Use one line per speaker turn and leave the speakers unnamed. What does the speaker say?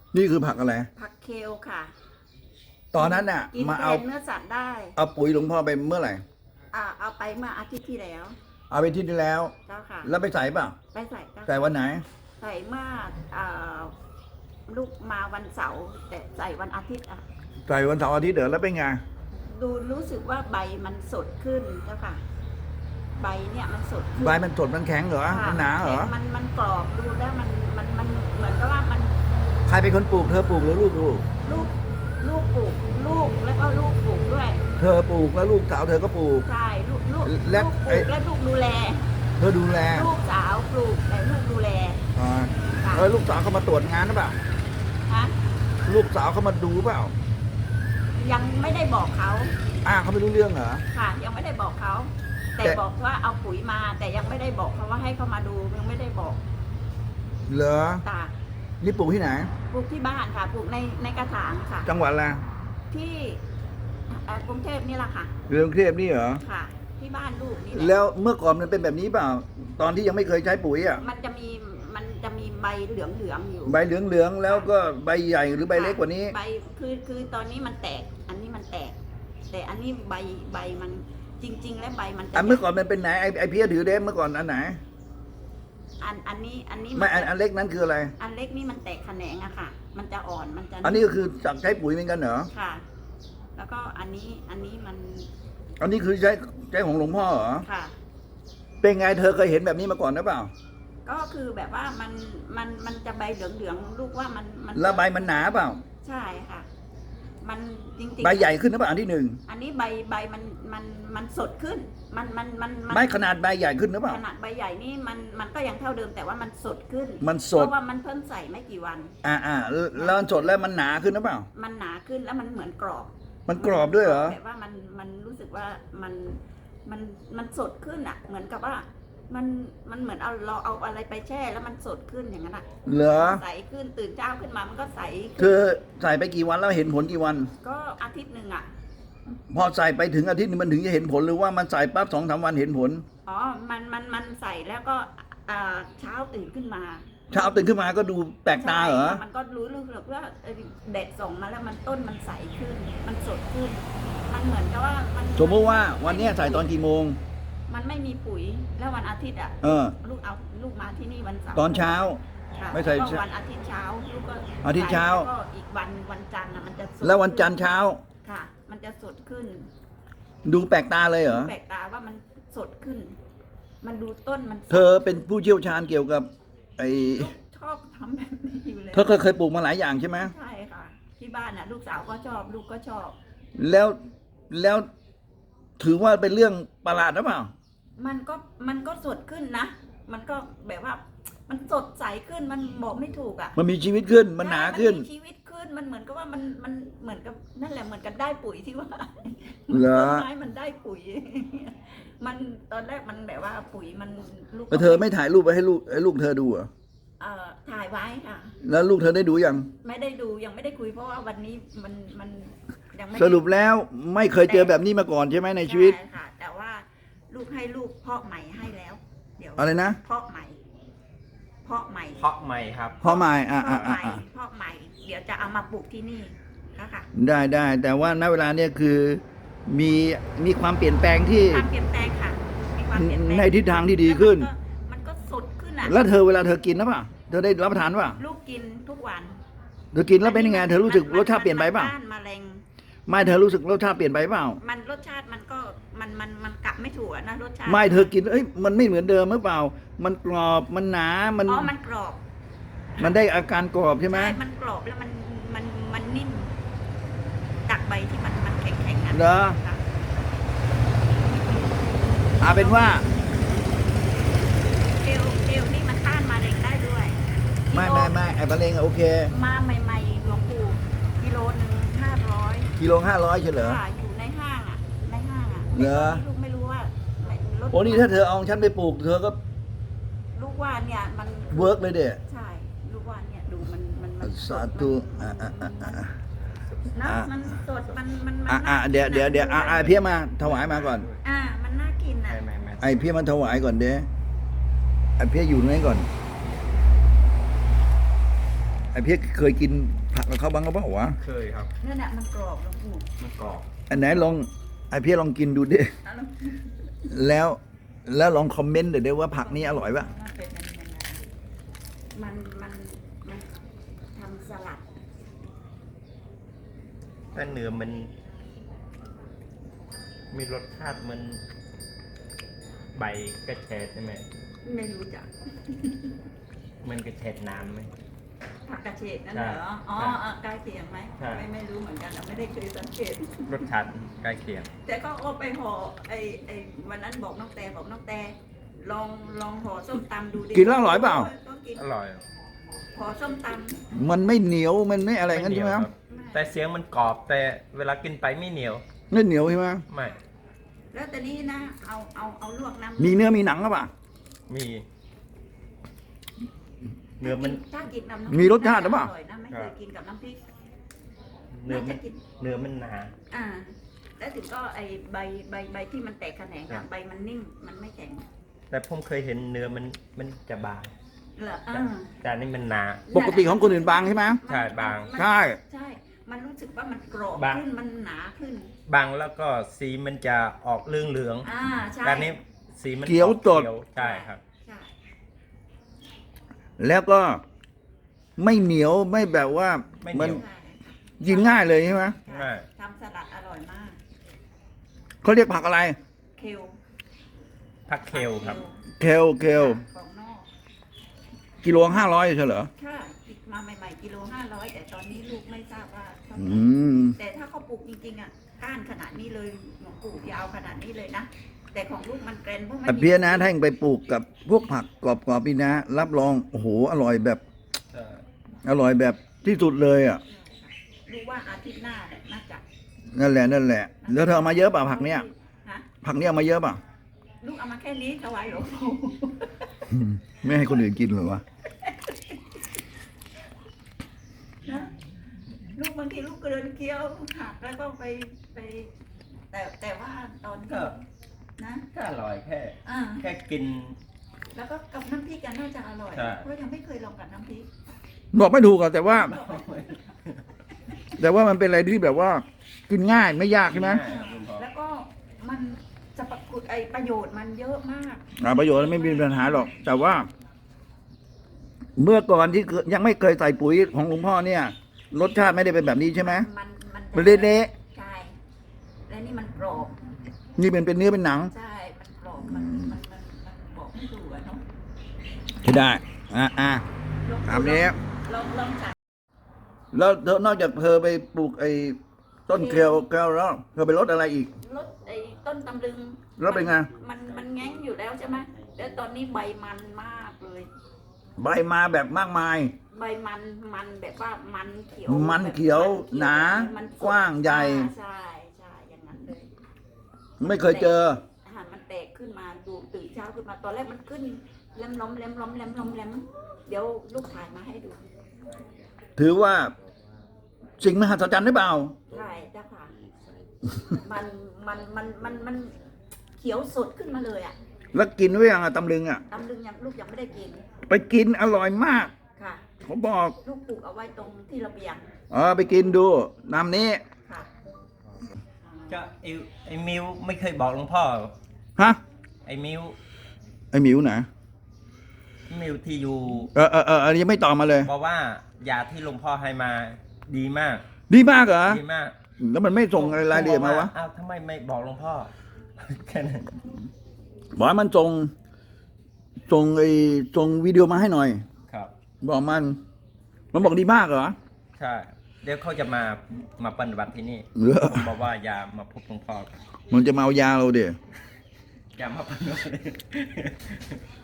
นี่คือผักอะไร
ผักเคลค่ะ
ตอนนั้นน่ะ
กิน
มา
แท
เอา
นเนื้อสัตว์ได้
เอาปุ๋ยหลวงพ่อไปเมื่อไหร่
เอาไปเมื่ออาทิตย์ที่แล้ว
เอาไปที่นี่แล้ว
เจ้าค่ะ
แล้วไปใส่เปล่า
ไปใส่เจ้า
ใส่วันไหน
ใส่เมื่อลูกมาวันเสาร์แต่ใส่วันอาทิตย์อ่ะ
ใส่วันเสาร์อาทิตย์เดี๋ยวแล้วเป็นไง
ดูรู้สึกว่าใบมันสดขึ้นเจ้าค่ะ ใบเนี่ยมันสดขึ้น
ใบมันสดมันแข็งเหรอ
ค่ะ
มันหนาเหรอ
มันกรอบดูแล้วมันเหมือนกับว่ามัน
ใครเป็นคนปลูกเธอปลูกหรือลูกปลูก
ลูกปลูกลูกแล้วก็ลูกปลูกด้วย
เธอปลูกแล้วลูกสาวเธอก็ปลูก
ใช่ลูก
และ
ลูกป
ไอ้
ลูกและลูกดูแล
เธอดูแล
ลูกสาวปลูกแต่ลูกดูแล
อ่า
ค่ะ
แล้วลูกสาวเขามาตรวจงานหรือเปล่า
ฮะ
ลูกสาวเขามาดูเปล่า
ยังไม่ได้บอกเขา
เขาไม่รู้เรื่องเหรอ
ค่ะ ยังไม่ได้บอกเขา แต่
แต่
บอกว่าเอาปุ๋ยมา แต่ยังไม่ได้บอกเขาว่าให้เขามาดูยังไม่ได้บอก
เหรอ
ตา
นี่ปลูกที่ไหน
ปลูกที่บ้านค่ะปลูกในกระถางค่ะ
จังหวัดอะไร
ที่กรุงเทพนี่แหละค่ะ
เรืองเทพนี่เหรอ
ค่ะ ที่บ้านลูกนี่แหละ
แล้วเมื่อก่อนมันเป็นแบบนี้เปล่า ตอนที่ยังไม่เคยใช้ปุ๋ยอ่ะ
มันจะมีใบเหลืองอยู่
ใบเหลืองๆแล้วก็ใบใหญ่หรือใบเล็กกว่านี้
ใบคือตอนนี้มันแตก อันนี้มันแตก แต่อันนี้ใบมันจริง ๆ แล้วใบมันจะ
เมื่อก่อนมันเป็นไหนไอเพี้ยถือเด้เมื่อก่อนอันไหน
อันนี้
ไม่อันเล็กนั้นคืออะไร
อันเล็กนี่มันแตกแขนงอะค่ะ มันจะอ่อนมันจะ
อันนี้ก็คือจากใช้ปุ๋ยเหมือนกันเหรอ
ค่ะ แล้วก็อันนี้มัน
อันนี้คือใช้ของหลวงพ่อเหรอ
ค่ะ
เป็นไงเธอเคยเห็นแบบนี้มาก่อนหรือเปล่า
ก็คือแบบว่ามันจะใบเหลืองลูกว่ามัน
แล้วใบมันหนาเปล่า
ใช่ค่ะ มันจริงๆ
ใบใหญ่ขึ้นหรือเปล่าอันที่หนึ่ง
อันนี้ใบมันสดขึ้น มัน
ไม่ขนาดใบใหญ่ขึ้นหรือเปล่า
ขนาดใบใหญ่นี่มันก็ยังเท่าเดิมแต่ว่ามันสดขึ้น
มันสด
เพราะว่ามันเพิ่งใส่ไม่กี่วัน
แล้วมันสดแล้วมันหนาขึ้นหรือเปล่า
มันหนาขึ้นแล้วมันเหมือนกรอบ
มันกรอบด้วยเหรอ
แบบว่ามันรู้สึกว่ามันสดขึ้นอ่ะ เหมือนกับว่า มันเหมือนเราเอาอะไรไปแช่แล้วมันสดขึ้นอย่างนั้นอ่ะ
เหรอ
ใสขึ้นตื่นเช้าขึ้นมามันก็ใส
เธ
ขึ้น
อใส่ไปกี่วันแล้วเห็นผลกี่วัน
ก็อาทิตย์หนึ่งอ่ะ
พอใส่ไปถึงอาทิตย์นึงมันถึงจะเห็นผลหรือว่ามันใส่ปั๊บ2-3 วันเห็นผล
อ๋อมันใส่แล้วก็เช้าตื่นขึ้นมา
เช้าตื่นขึ้นมาก็ดูแปลกตาเหรอ
ใช่มันก็รู้สึกว่าแดดส่องมาแล้วมันต้นมันใสขึ้น มันสดขึ้น มันเหมือนกับว่ามัน
สมมติว่าวันเนี้ยใส่ตอนกี่โมง
มันไม่มีปุ๋ยแล้ววันอาทิตย์อ่ะ
เออ
ลูกมาที่นี่วันเสาร์
ตอนเช้า
ค่ะ
ไม่ใส่
แล้วก็วันอาทิตย์เช้าลูกก็
อาทิตย์เช้า
แล้วก็อีกวันจันทร์นะมันจะสด
แล้ววันจันทร์เช้า
ค่ะ มันจะสดขึ้น
ดูแปลกตาเลยเหรอ
แปลกตาว่ามันสดขึ้น มันดูต้นมันสด
เธอเป็นผู้เชี่ยวชาญเกี่ยวกับไอ้
ลูกชอบทำแบบนี้อยู่แล้ว
เธอเคยปลูกมาหลายอย่างใช่ไหม
ใช่ค่ะ ที่บ้านน่ะ ลูกสาวก็ชอบ ลูกก็ชอบ
แล้วถือว่าเป็นเรื่องประหลาดหรือเปล่า
มันก็สดขึ้นนะ มันก็แบบว่า มันสดใสขึ้น มันบอกไม่ถูกอ่ะ
มันมีชีวิตขึ้นมันหนาขึ้น
มัมีชีวิตขึ้น มันเหมือนกับว่ามันเหมือนกับนั่นแหละเหมือนกับได้ปุ๋ยที่ว่า
เหรอ
ต้นไม้มันได้ปุ๋ย มันตอนแรกมันแบบว่าปุ๋ยมันลูก
แล้วเธอไม่ถ่ายรูปไปให้ลูกเธอดูเหรอ
ถ่ายไว้ค่ะ
แล้วลูกเธอได้ดูยัง
ไม่ได้ดูยังไม่ได้คุยเพราะว่าวันนี้มันยังไม่ได้
สรุปแล้วไม่เคยเจอแบบนี้มาก่อนใช่ไหมในชีวิต
ใช่ค่ะ แต่ว่าลูกให้ลูกเพาะใหม่ให้แล้ว เดี๋ยว
อะไรนะ
เพาะใหม่ เพาะใหม่
เพาะใหม่ครับ
พ่อหมาย
เพาะใหม่เพาะใหม่ เดี๋ยวจะเอามาปลูกที่นี่ค่ะ
ได้แต่ว่าณเวลาเนี้ยคือมีความเปลี่ยนแปลงที่
ความเปลี่ยนแปลงค่ะมีความเปลี่ยนแปลง
ในทิศทางที่ดีขึ้น
มันก็สดขึ้นอ่ะ
แล้วเธอเวลาเธอกินนะป่ะเธอได้รับประทานป่ะ
ลูกกินทุกวัน
เธอกินแล้วเป็นยังไงเธอรู้สึกรสชาติเปลี่ยนไปป่ะ
ต้านมะเร็ง
ไม่เธอรู้สึกรสชาติเปลี่ยนไปเปล่า
มันรสชาติมันก็มันกลับไม่ถูกอะนะรสชาติ
ไม่เธอกินมันไม่เหมือนเดิมหรือเปล่า มันกรอบมันหนามัน
อ๋อมันกรอบ
มันได้อาการกรอบใช่ไหม
มันกรอบแล้วมันนิ่มจากใบที่มันแข็งๆอ่ะ
เหรอ
ค่ะ
เป็นว่า
เอลนี่มันต้านมะเร็งได้ด้วย
ไม่ไอ้มะเร็งโอเค
มาใหม่ๆหลวงปู่กิโลนึง500
กิโล500ใช่เหรอ
ค่ะอยู่ในห้างอ่ะะ
เหรอ
ลูกไม่รู้ว่าลด
โอ้นี่ถ้าเธอเอาฉันไปปลูกเธอก็
ลูกว่าเนี่ยมัน
เวิร์กเลยเด็
ใช่ลูกว่าเนี่ยดูมัน
สาธุ
นะมันสดมัน
เดี๋ยวเพี้ยมาถวายมาก่อน
มันน่ากินอ่ะ
ไม่
ไอ้เพี้ยมันถวายก่อนเด้ไอ้เพี้ยอยู่ตรงนี้ก่อนไอ้เพียกเคยกินผักกับเขาบ้างก็เปล่าวะ
เคยครับ
นั่นแหละมันกรอบหลวงปู่
มันกรอบ
อันไหนลองไอเพียกลองกินดูดิ
แล้วมัน
แล้วลองคอมเมนต์เดี๋ยวว่าผักนี้อร่อยปะ
เป็นยังไงมันทำสลัด
แต่เนื้อมันมีรสชาติมันใบกระเฉดใช่ไหม
ไม่รู้จัก
มันกระเฉดน้ำไหม
ผักกระเฉดนั่นเหรออ๋อ
ใช่
ใกล้เคียงไหม
ใช่
ไม่รู้เหมือนกันอะไม่ได้เคยสังเกต
รสชาติใกล้เคียง
แต่ก็เอาไปห่อไอ้วันนั้นบอกน้องแต่ลองห่อส้มตำดูดิ
กินแล้วอร่อยเปล่า
ต้องกิน
อร่อย
ห่อส้มต
มันไม่เหนียวมันไม่อะไรงั้นใช่ไหม
เห
ค
นี
รั
ยว
บ
ำ
แต่เสียงมันกรอบแต่เวลากินไปไม่เหนียว
ไม่เหนียวใช่ไหม
ไม่
แล้วแต่นี้นะเอาลวกน้ำ
มีเนื้อมีหนังหรือเปล่า
มีเนื้อมัน
ถ้ากินน้ำ
มีรสชาติหรือเปล่า
ร่อยนะไม่เคยกินกับน้ำพริก
เนื้อมัน
น่าจะกิน
เนื้อมันหนา
อ่า แล้วถึงก็ไอ้ใบที่มันแตกแขนง
ครั
อะ
บ
ใบมันนิ่มมันไม่แข็ง
แต่ผมเคยเห็นเนื้อมันจะบาง
เหรอ
แต่อันนี่มันหนา
ปกติของคนอื่นบางใช่ไหม
ใช่บาง
ใช่
ใช่ มันรู้สึกว่ามันกรอบบ
าง
ขึ้นมันหนาขึ้น
บางแล้วก็สีมันจะออกเหลือง
อ่าใช่
ๆแต่อันนี้สีมัน
เขียว
ออก
สด
เขียวใช่ครับ
ใช่
แล้วก็ไม่เหนียวไม่แบบว่า
ไม่เหนี
มัน
ยว
ใช่
กินง่ายเลยใช่ไหม
ใช่ทำสลัดอร่อยมาก
เขาเรียกผักอะไร
เคล
ผักเคลครับ
เคล
ของนอก
กิโล500ใช่เหรอ
ค่ะมาใหม่ๆกิโล500แต่ตอนนี้ลูกไม่ทราบว่าเท่าไห
อื
ร่
ม
แต่ถ้าเขาปลูกจริงๆอ่ะก้านขนาดนี้เลยหลวงปู่ยาวขนาดนี้เลยนะ แต่ของลูกมันแกรนเพราะมัน
แต่เพียนะถ้าเองไปปลูกกับพวกผักกรอบๆพี่นะ รับรองโอ้โหอร่อยแบบ อร่อยแบบที่สุดเลยอ่ะ
รู้ว่าอาทิตย์หน้าเนี่ยน่าจะ
นั่นแหละ แล้วเธอเอามาเยอะเปล่าผักเนี้ย
ฮะ
ผักเนี้ยเอามาเยอะเปล่า
ลูกเอามาแค่นี้ถวายหลวงปู่
ไม่ให้คนอื่นกินเหรอวะ
นะลูกบางทีลูกเกินเคี้ยวหักแล้วก็ไปแต่ว่าตอน
ก็
ที่นะ
ก็อร่อยแค่
อ่า
แค่กิน
แล้วก็กับน้ำพริกกันน่าจะอร่อย
ใช่
เพราะยังไม่เคยลองกับน้ำพริก
บอกไม่ถูกอะแต่ว่ามันเป็นอะไรที่แบบว่า กินง่ายไม่ยากใช่ไหม
แล้วก็มันสรรพคุณไอประโยชน์มันเยอะมาก
ประโยชน์ไม่มีปัญหาหรอก แต่ว่า เมื่อก่อนที่ยังไม่เคยใส่ปุ๋ยของหลวงพ่อเนี่ย รสชาติไม่ได้เป็นแบบนี้ใช่ไหม
มัน
มันเละ
ใช่และนี่มันกรอบ
ๆนี่เป็นเนื้อเป็นหนัง
ใช่มันกรอบมันบอกไม่ถูกอะเนาะ
ใช่ได้อ่ะ
ลอง
ตามนี้
ลองจัด
แล้วเธอนอกจากเธอไปปลูกไอ้ต้นเคลแล้วเธอไปรดอะไรอีก
รสไอ้ต้นตำลึง
แล้วเป็นไง
มันแง้งอยู่แล้วใช่ไหมแล้วตอนนี้ใบมันมากเลย
ใบมาแบบมากมาย
ใบมันแบบว่ามันเขียว
มันเขียว
แบบ
หนา
มันสด
กว้างใหญ่
ใช่อย่างนั้นเลย
ไม่เคยเจอ
อาหารมันแตกขึ้นมาดูตื่นเช้าขึ้นมาตอนแรกมันขึ้นแหลมล้มเดี๋ยวลูกถ่ายมาให้ดู
ถือว่าสิ่งมหัศจรรย์หรือเปล่า
ใช่เจ้าค่ะมันเขียวสดขึ้นมาเลยอ่ะ
แล้วกินไว้ยังอะตำลึงอะ
ตำลึงยังลูกยังไม่ได้กิน
ไปกินอร่อยมาก
ค่ะ
ผมบอก
ลูกปลูกเอาไว้ตรงที่ระเบียง
ไปกินดูน้ำนี้
ค่ะ
จะไอ้มิวไม่เคยบอกหลวงพ่อ
ฮะ
ไอ้มิว
ไอหมิวไหน
มิวที่อยู่
อันนี้ยังไม่ตอบมาเลย
บอกว่ายาที่หลวงพ่อให้มาดีมาก
ดีมากเหรอ
ดีมาก
แล้วมันไม่ส่งอะไรรายละเอียดมาวะ
อ้าวทำไมไม่บอกหลวงพ่อ แค่นั้น
บอกให้มันส่งวิดีโอมาให้หน่อย
ครับ
บอกมันบอกดีมากเหรอ
ใช่ เดี๋ยวเขาจะมาปฏิบัติที่นี่
เหรอ
ผมบอกว่าอย่ามาพบหลวงพ่อ
มันจะมาเอายาเราเดี๋ย
อย่ามาปฏิบัติ